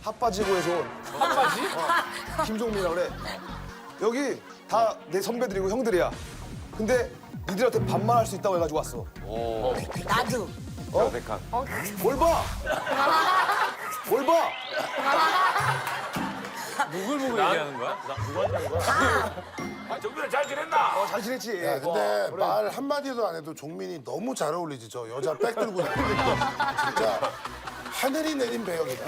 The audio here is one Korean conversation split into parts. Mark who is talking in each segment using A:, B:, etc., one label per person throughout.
A: 핫바지고에서 온
B: 핫바지?
A: 김종민이라 그래. 여기 다 내 선배들이고 형들이야. 근데 니들한테 반말할 수 있다고 해가지고 왔어.
C: 나도.
B: 어색한.
A: 뭘 봐? 뭘 봐?
B: 누굴 보고 얘기하는 거야?
D: 정민아 잘 지냈나?
A: 잘 지냈지?
E: 야, 근데 말 한마디도 안 해도 종민이 너무 잘 어울리지. 저 여자 백 들고 다니니까 진짜 하늘이 내린 배역이다.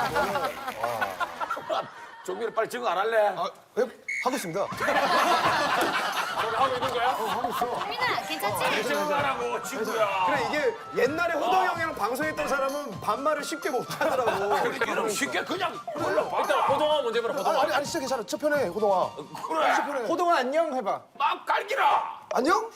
D: 정민아 빨리 증거 안 할래?
A: 아, 예, 하고 있습니다.
D: 하고 있는 거야?
C: 민아, 괜찮지?
D: 증거하라고 친구야.
B: 그래 이게 옛날에 호동 형이랑 방송했던 사람은 반말을 쉽게 못 하더라고.
D: 이런 쉽게 그냥 불러봐. 일단 호동아 먼저 해봐라. 호동아.
A: 아니 진짜 괜찮아. 첫 편에 호동아.
D: 그래.
A: 첫 편에.
B: 호동아 안녕 해봐.
D: 막 갈기라.
A: 안녕?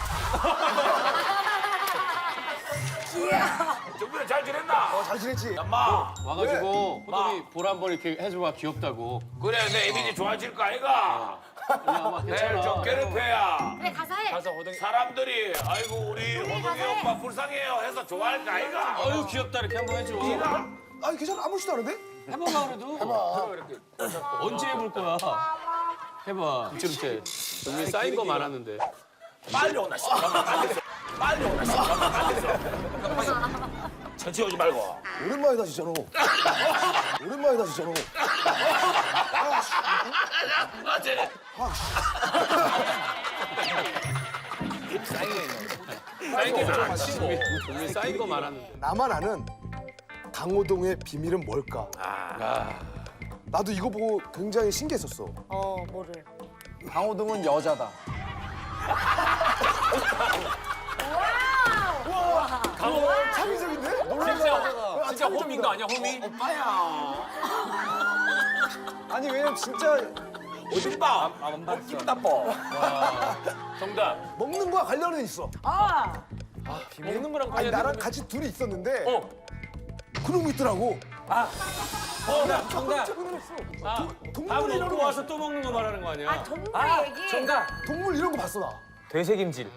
D: 정민아 잘 지냈나?
A: 잘 지냈지?
D: 마.
F: 와가지고 호동이 볼 한 번 이렇게 해줘봐 귀엽다고.
D: 그래 내 이미지 좋아질 거 아이가?
F: 야,
D: 내일 좀 괴롭혀야.
C: 그래, 가서 해.
D: 사람들이 아이고 우리 호동이 오빠 불쌍해요 해서 좋아할 거 아이가?
F: 어유 귀엽다 이렇게 한번 해줘.
A: 아니 괜찮아. 아무렇지도 않은데?
F: 해봐봐 그래도. 언제 해볼 거야? 해봐. 이렇게. 여기 쌓인 거 많았는데.
D: 빨리 오나 씨. 빨리 오나 씨. 천천히 오지 말고.
A: 오랜만이다 진짜로. 오랜만이다 진짜로.
D: 맞지?
F: 쌓인 게 많았지. 여기 쌓인 거 많았는데.
A: 나만 아는 강호동의 비밀은 뭘까? 나도 이거 보고 굉장히 신기했었어.
C: 뭐를?
B: 강호동은 여자다.
A: 창의적인데?
F: 진짜 호미인 거 아니야 호미?
B: 아니 왜냐면 진짜
D: 어딜 봐. 기분 나빠.
F: 정답.
A: 먹는 거와 관련은 있어.
F: 먹는 거랑
A: 아니
F: 관련이
A: 나랑 같이 둘이 있었는데
F: 어.
A: 그런 거 있더라고.
F: 정답. 정답. 밥
A: 동물 이런
F: 먹고
A: 거
F: 와서 또 먹는 거 말하는 거 아니야?
C: 동물 얘기.
F: 정답.
A: 동물 이런 거 봤어 나.
F: 되새김질.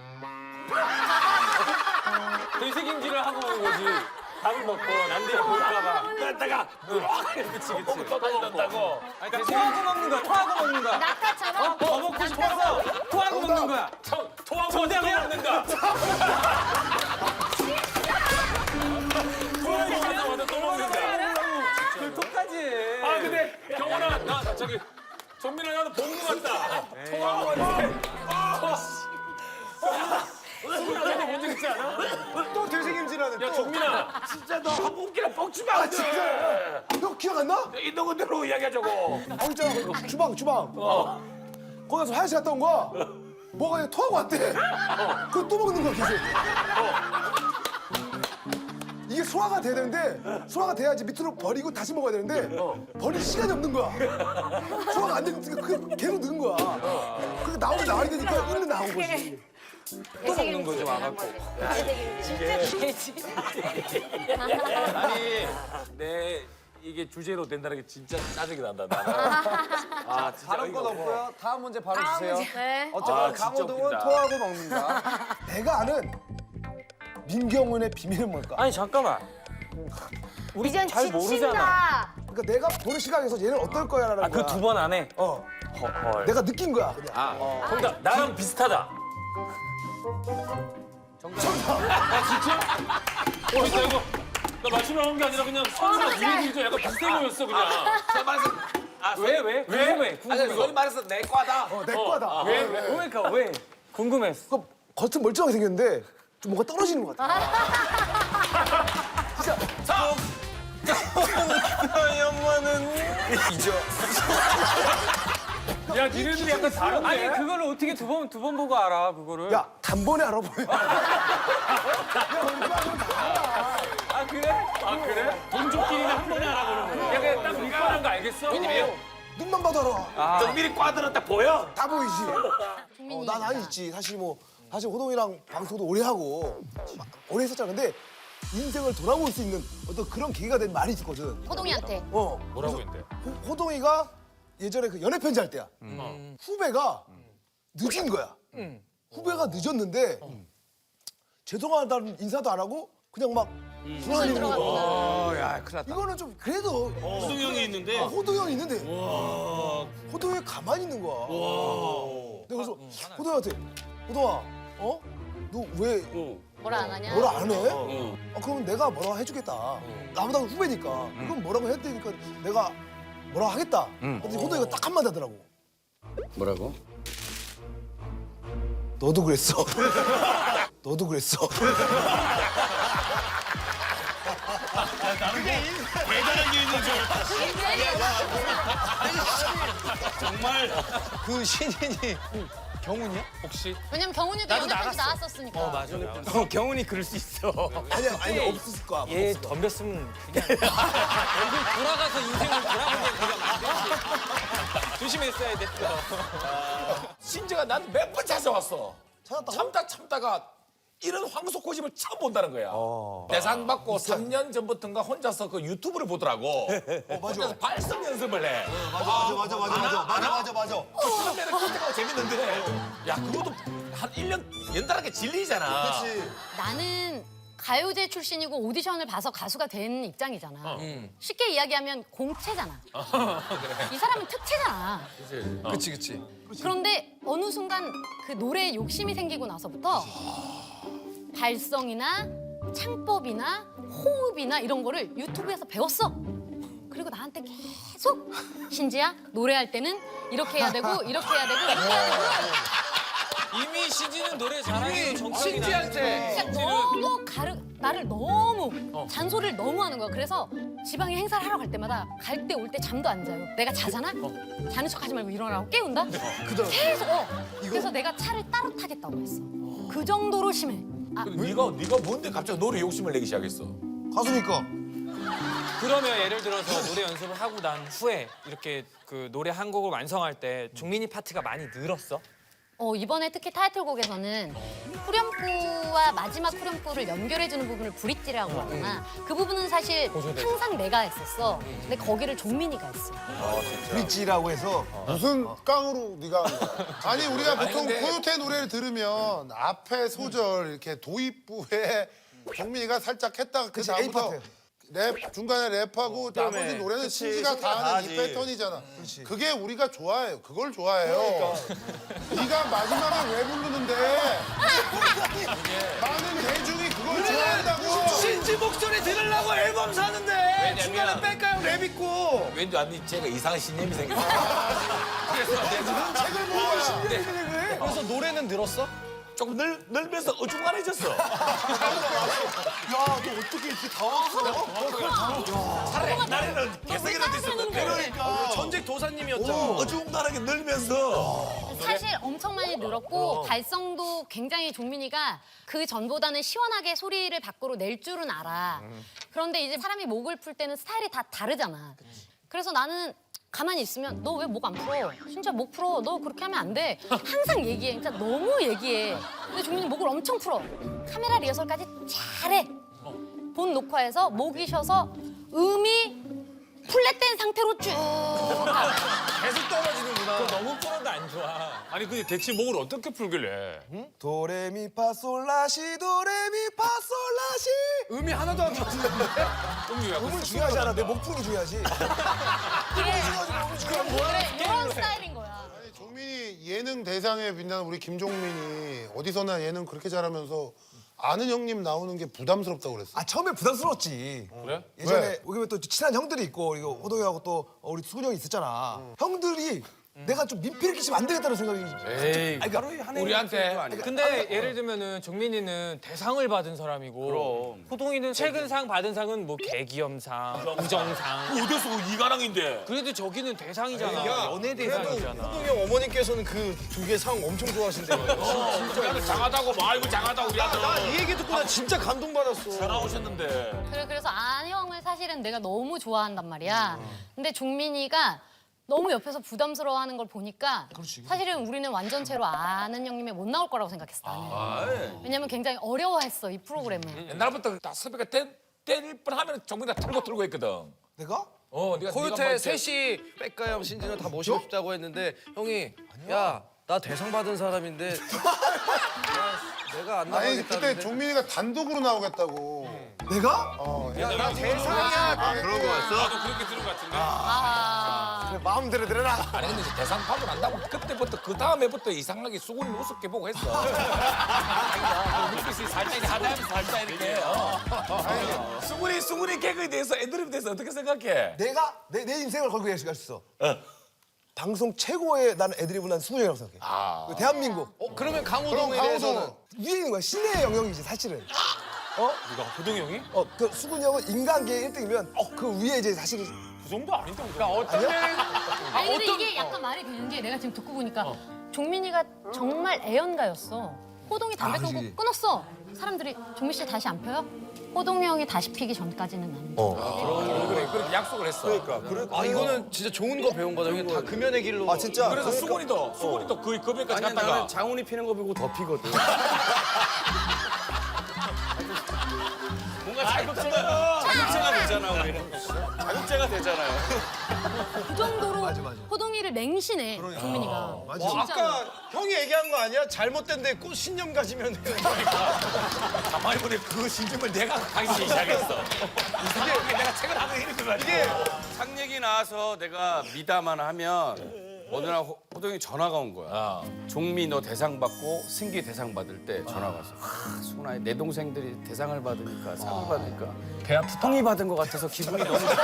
F: 되새김질을 하고 오는 거지. 밥을 먹고 남들이 볼까봐.
D: 그랬다가
F: 그치 그치.
D: 또 다닌다고.
F: 토하고 먹는 거야. 토하고 먹는 거야.
C: 낙타처럼.
F: 더 먹고 싶어서 토하고 먹는 거야.
D: 토하고 또 먹는다. 토하고 또 먹는다.
F: 그 토까지.
D: 아 근데 경원아 나 저기 정민아 나도 본 거 같다. 토하고
F: 토하고 본적 있지 않아?
B: 또 되새김질하는.
F: 야 정민아.
D: 진짜 너 한국 웃기나 뻥치면 안 돼.
A: 너 기억 안 나?
D: 있는 그대로 이야기하자고.
A: 있잖아. 주방. 거기 가서 화장실 갔다 온 거야. 뭐가 그냥 토하고 왔대. 그거 또 먹는 거야 계속. 이게 소화가 돼야 되는데 소화가 돼야지 밑으로 버리고 다시 먹어야 되는데 버릴 시간이 없는 거야. 소화가 안 되니까 그 계속 넣은 거야. 그게 나오면 나와야 되니까 일로 나온 거지.
C: 또 먹는 거지, 와갖고. 진짜 돼지.
D: 아니 내 이게 주제로 된다는 게 진짜 짜증이 난다. 나는. 아 진짜
B: 다른 건 없고요. 다음 문제 바로 주세요.
C: 네.
B: 어쨌건
D: 아, 진짜
B: 강호동은
D: 웃긴다.
B: 토하고 먹는다.
A: 내가 아는 민경훈의 비밀은 뭘까?
F: 아니 잠깐만. 우리
C: 이젠
F: 잘 모르잖아.
A: 그러니까 내가 보는 시각에서 얘는 어떨 거야라는 거야.
F: 그 두 번 안에.
D: 헐.
A: 내가 느낀 거야 그냥.
D: 정답 나랑 비슷하다.
F: 진짜 이거 나 맞추려고 한 게 아니라 그냥 선수가 뒤에 뒤에 약간 비슷해 보였어 그냥.
D: 제가 말해서
F: 왜? 궁금해.
D: 아니 소위 말해서 내 과다.
A: 내 거다.
F: 그러니까 왜? 궁금했어.
A: 그 겉은 멀쩡하게 생겼는데 좀 뭔가 떨어지는 것 같아.
F: 야 니네들이 약간 다른데? 아니 그거를 어떻게 두 번 보고 알아 그거를?
A: 야 단번에 알아보여.
F: 아 그래? 아 그래? 동족끼리는 한 번에 알아보는 거야. 야 그냥 딱 눈가는 거 알겠어?
A: 눈만 봐도 알아.
D: 정민이 과들은 딱 보여.
A: 다 보이지. 난 아니 있지. 사실 호동이랑 방송도 오래 하고 오래 했었잖아. 근데 인생을 돌아볼 수 있는 어떤 그런 계기가 된 말이 있거든.
C: 호동이한테.
D: 뭐라고 했는데?
A: 호동이가 예전에 그 연애 편지 할 때야. 후배가 늦은 거야. 후배가 늦었는데 죄송하다는 인사도 안 하고 그냥 막 불안이 있는 거.
C: 야, 큰일 났다.
A: 이거는 좀 그래도
F: 호동 형이 있는데.
A: 호동 형이 있는데 호동 형이 가만히 있는 거야. 내가 그래서 호동 형한테 호동아, 너 왜
G: 뭐라 안 하냐?
A: 뭐라 안 해? 그럼 내가 뭐라고 해주겠다. 나보다 후배니까. 그럼 뭐라고 해야 되니까 내가 뭐라고 하겠다. 근데 호동이가 딱 한마디 하더라고.
C: 뭐라고?
A: 너도 그랬어. 너도 그랬어.
F: 대단한 게 있는 줄 알았다. 정말.
C: 그 신인이 경훈이야? 혹시?
G: 왜냐면 경훈이도 연애까지 나왔었으니까.
F: 맞아.
C: 경훈이 그럴 수 있어.
A: 아니 없었을 거야.
F: 얘 덤볐으면 그냥 얼굴 돌아가서 인생을 돌아보게 그냥 안 되지. 조심했어야 됐어.
D: 신재가 난 몇 번 찾아왔어.
A: 찾았다고?
D: 참다가 이런 황소 고집을 처음 본다는 거야. 대상 받고 3년 전부터인가 혼자서 그 유튜브를 보더라고. 혼자서 발성 연습을 해.
B: 맞아.
D: 처음에는 기특하고 재밌는데 야 그것도 한 1년 연달아게 질리잖아.
G: 나는 가요제 출신이고 오디션을 봐서 가수가 된 입장이잖아. 쉽게 이야기하면 공채잖아. 이 사람은 특채잖아.
C: 그치.
G: 그런데 어느 순간 그 노래에 욕심이 생기고 나서부터 발성이나 창법이나 호흡이나 이런 거를 유튜브에서 배웠어. 그리고 나한테 계속 신지야 노래할 때는 이렇게 해야 되고 이렇게 해야 되고 이렇게 해야 되고
F: 이미 시지는 노래 잘하는 정신이
C: 신지한테.
G: 그러니까 너무 나를 너무 잔소리를 너무 하는 거야. 그래서 지방에 행사를 하러 갈 때마다 갈 때 올 때 잠도 안 자요. 내가 자잖아? 자는 척 하지 말고 일어나라고 깨운다? 계속 그래서 내가 차를 따로 타겠다고 했어. 그 정도로 심해.
D: 네가 뭔데 갑자기 노래 욕심을 내기 시작했어?
A: 가수니까.
F: 그러면 예를 들어서 노래 연습을 하고 난 후에 이렇게 그 노래 한 곡을 완성할 때 종민이 파트가 많이 늘었어?
G: 이번에 특히 타이틀곡에서는 후렴구와 마지막 후렴구를 연결해주는 부분을 브릿지라고 하잖아. 그 부분은 사실 항상 내가 했었어. 근데 거기를 종민이가 했어.
A: 브릿지라고 해서
E: 무슨 깡으로 네가 한 거야? 아니 우리가 보통
D: 근데-
E: 코요태 노래를 들으면 앞에 소절 이렇게 도입부에 정민이가 살짝 했다가 그
A: 그치,
E: 다음부터
A: A 파트.
E: 랩 중간에 랩하고 나머지 노래는 신지가 다 하는 이 패턴이잖아. 그게 우리가 좋아해요. 그걸 좋아해요. 네가 마지막에 왜 부르는데 많은 대중이 그걸 좋아한다고.
B: 신지 목소리 들으려고 앨범 사는데 중간에 뺄까요 랩 있고.
D: 왠지 아니 쟤가 이상한 신념이 생겼어.
A: 책을 보고 신기해 그래.
B: 그래서 노래는 늘었어?
D: 조금 늘면서 어중간해졌어.
A: 야, 너 어떻게 이렇게 당황스러워?
D: 차라리 옛날에는 개성이라도 있었는데
B: 전직 도사님이었잖아.
D: 어중간하게 늘면서
G: 사실 엄청 많이 늘었고 발성도 굉장히 종민이가 그 전보다는 시원하게 소리를 밖으로 낼 줄은 알아. 그런데 이제 사람이 목을 풀 때는 스타일이 다 다르잖아. 그래서 나는 가만히 있으면 너 왜 목 안 풀어? 진짜 목 풀어. 너 그렇게 하면 안 돼. 항상 얘기해. 진짜 너무 얘기해. 근데 종민이 목을 엄청 풀어. 카메라 리허설까지 잘해. 본 녹화에서 목이 쉬어서 음이 플랫된 상태로 쭉 가.
F: 계속 떨어지는구나. 너무 풀어도 안 좋아.
D: 아니 근데 대체 목을 어떻게 풀길래?
A: 도레미파솔라시 도레미파솔라시.
C: 음이 하나도 안 맞는데?
A: 음은 중요하지 않아. 내 목풍이 중요하지.
G: 그래, 이런 스타일인 거야.
E: 아니, 종민이 예능 대상에 빛나는 우리 김종민이 어디서나 예능 그렇게 잘하면서 아는 형님 나오는 게 부담스럽다고 그랬어.
A: 아 처음에 부담스러웠지.
D: 그래?
A: 예전에
E: 왜?
A: 여기 또 친한 형들이 있고 그리고 호동이하고 또 우리 수근이 형이 있었잖아. 형들이 내가 좀 민폐를 끼치면 안 되겠다는 생각이.
D: 에이
A: 그러니까
D: 우리한테
F: 근데 예를 들면은 종민이는 대상을 받은 사람이고 호동이는 최근 상 받은 상은 뭐 개기염상, 우정상.
D: 어디서 이가랑인데?
F: 그래도 저기는 대상이잖아. 연예 대상이잖아.
B: 형 어머니께서는 그 두 개 상 엄청 좋아하신대요.
D: 우리 아들 장하다고 뭐 아이고 장하다 우리 아들.
B: 나 이 얘기 듣고 나 진짜 감동받았어.
D: 전화 오셨는데.
G: 그래서 안형을 사실은 내가 너무 좋아한단 말이야. 근데 종민이가 너무 옆에서 부담스러워하는 걸 보니까 사실은 우리는 완전체로 아는 형님에 못 나올 거라고 생각했어 나는. 왜냐면 굉장히 어려워했어 이 프로그램을.
D: 옛날부터 다 섭외가 때릴 뻔하면 정민이 다 틀고 했거든.
A: 내가?
D: 네가
C: 코요태
D: 네가 뭐
C: 셋이 백가영 신진을 다 모시고 싶다고 했는데 형이 야 나 대상 받은 사람인데 야, 내가 안
E: 아니
C: 나가겠다는데
E: 그때 종민이가 단독으로 나오겠다고.
A: 내가?
B: 나 대상이야.
E: 그런 거 같어?
D: 나도 그렇게 들은 것 같은데.
G: 아.
B: 마음대로 들어라.
D: 아니 근데 이제 대상 파고 난다고 그때부터 그 다음에부터 이상하게 수근이 우습게 보고 했어. 눈빛이 살짝 하다면서 살짝 이렇게. 수근이 개그에 대해서 애드립에 대해서 어떻게 생각해?
A: 내가 내 인생을 걸고 했어. 방송 최고의 나는 애드립은 난 수근이 형이라고 생각해.
D: 아.
A: 대한민국.
C: 그러면
E: 그럼
C: 강호동에 대해서는
E: 강호동은
A: 위에 있는 거야. 신의 영역이지 사실은.
F: 누가 호동이 형이?
A: 그 수근이 형은 인간계의 1등이면 그 위에 이제 사실은
F: 그 정도 아닌데. 그러니까 어떤 면은
G: 아니 근데 이게 약간 말이 되는 게 내가 지금 듣고 보니까 종민이가 정말 애연가였어. 호동이 담배 끊고 끊었어. 사람들이 종민 씨 다시 안 펴요? 호동이 형이 다시 피기 전까지는 나는.
D: 그래 그렇게 약속을 했어.
C: 아 이거는 진짜 좋은 거 배운 거다. 형이 다 금연의 길로.
B: 아 진짜.
D: 그래서 수근이도 그 금액까지
H: 아니
D: 갔다가
H: 나는 장훈이 피는 거 보고 더 피거든. 뭔가 자극제가 되잖아 우리는. 자극제가 되잖아요.
G: 그 정도로 호동이를 맹신해 종민이가. 진짜.
B: 형이 얘기한 거 아니야? 잘못된데 꼭 신념 가지면
D: 가만히 보니 그 신점을 내가 가기 시작했어. 이상하게 내가 책을 하나 읽는
B: 이게
H: 상 얘기 나와서 내가 미담만 하면 어느 날 호동이 전화가 온 거야. 종미 너 대상 받고 승기 대상 받을 때 전화가 왔어. 수근아 내 동생들이 대상을 받으니까 상을 받으니까 배 아프다. 형이 받은 것 같아서 기분이 너무 좋다.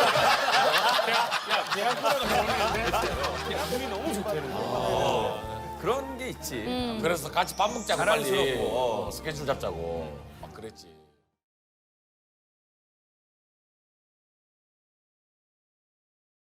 H: 기분이 너무 좋다는 거야. 그런 게 있지.
D: 그래서 같이 밥 먹자고
H: 자랑스럽고.
D: 빨리 스케줄 잡자고 막 그랬지.